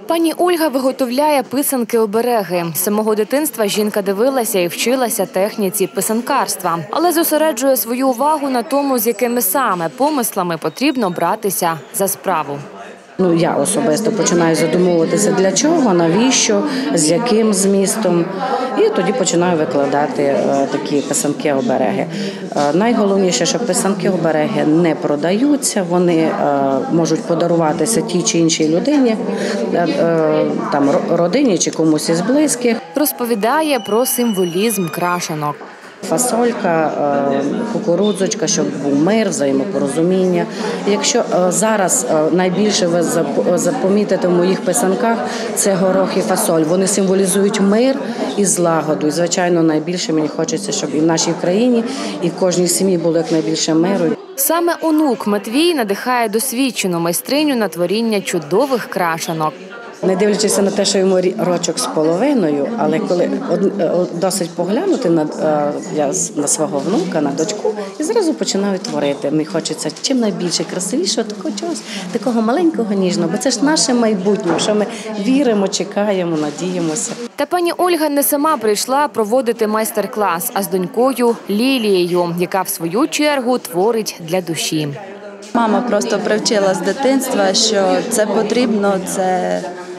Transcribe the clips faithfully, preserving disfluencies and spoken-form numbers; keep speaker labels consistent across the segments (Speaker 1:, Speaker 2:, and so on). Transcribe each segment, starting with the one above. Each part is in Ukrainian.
Speaker 1: Пані Ольга виготовляє писанки-обереги. З самого дитинства жінка дивилася і вчилася техніці писанкарства. Але зосереджує свою увагу на тому, з якими саме помислами потрібно братися за справу.
Speaker 2: Ну, я особисто починаю задумуватися, для чого, навіщо, з яким змістом. І тоді починаю викладати е, такі писанки-обереги. Е, найголовніше, що писанки-обереги не продаються, вони е, можуть подаруватися тій чи іншій людині, е, е, там, родині чи комусь із близьких.
Speaker 1: Розповідає про символізм крашенок.
Speaker 2: Фасолька, кукурудзочка, щоб був мир, взаємопорозуміння. Якщо зараз найбільше ви запомітите в моїх писанках, це горох і фасоль. Вони символізують мир і злагоду. І, звичайно, найбільше мені хочеться, щоб і в нашій країні, і в кожній сім'ї було якнайбільше миру.
Speaker 1: Саме онук Матвій надихає досвідчену майстриню на творіння чудових крашенок.
Speaker 2: Не дивлячись на те, що йому рочок з половиною, але коли досить поглянути на, я, на свого внука, на дочку, і зразу починаю творити. Мені хочеться чим найбільше красивішого, такого чогось, такого маленького, ніжного, бо це ж наше майбутнє, що ми віримо, чекаємо, надіємося.
Speaker 1: Та пані Ольга не сама прийшла проводити майстер-клас, а з донькою Лілією, яка в свою чергу творить для душі.
Speaker 3: Мама просто привчила з дитинства, що це потрібно, це...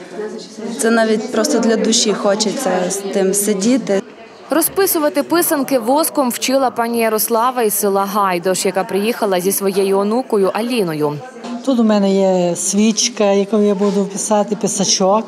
Speaker 3: Це навіть просто для душі хочеться з тим сидіти.
Speaker 1: Розписувати писанки воском вчила пані Ярослава із села Гайдош, яка приїхала зі своєю онукою Аліною.
Speaker 4: Тут у мене є свічка, яку я буду писати, писачок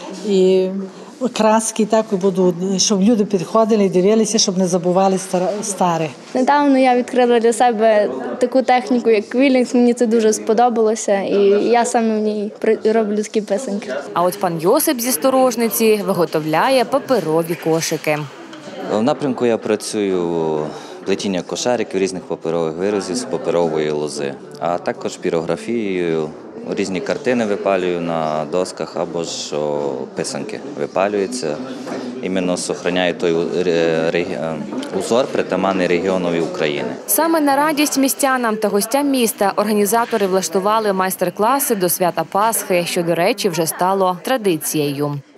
Speaker 4: і краски, так і буду, щоб люди підходили і дивилися, щоб не забували старе.
Speaker 5: Недавно я відкрила для себе таку техніку, як квілінг. Мені це дуже сподобалося, і я саме в ній роблю такі писанки.
Speaker 1: А от пан Йосип зі Сторожниці виготовляє паперові кошики.
Speaker 6: В напрямку я працюю плетіння кошариків, різних паперових виразів з паперової лози, а також пірографією. Різні картини випалюю на досках або ж писанки випалюються. Іменно зберігає той узор, притаманний регіонові України.
Speaker 1: Саме на радість містянам та гостям міста організатори влаштували майстер-класи до свята Пасхи, що, до речі, вже стало традицією.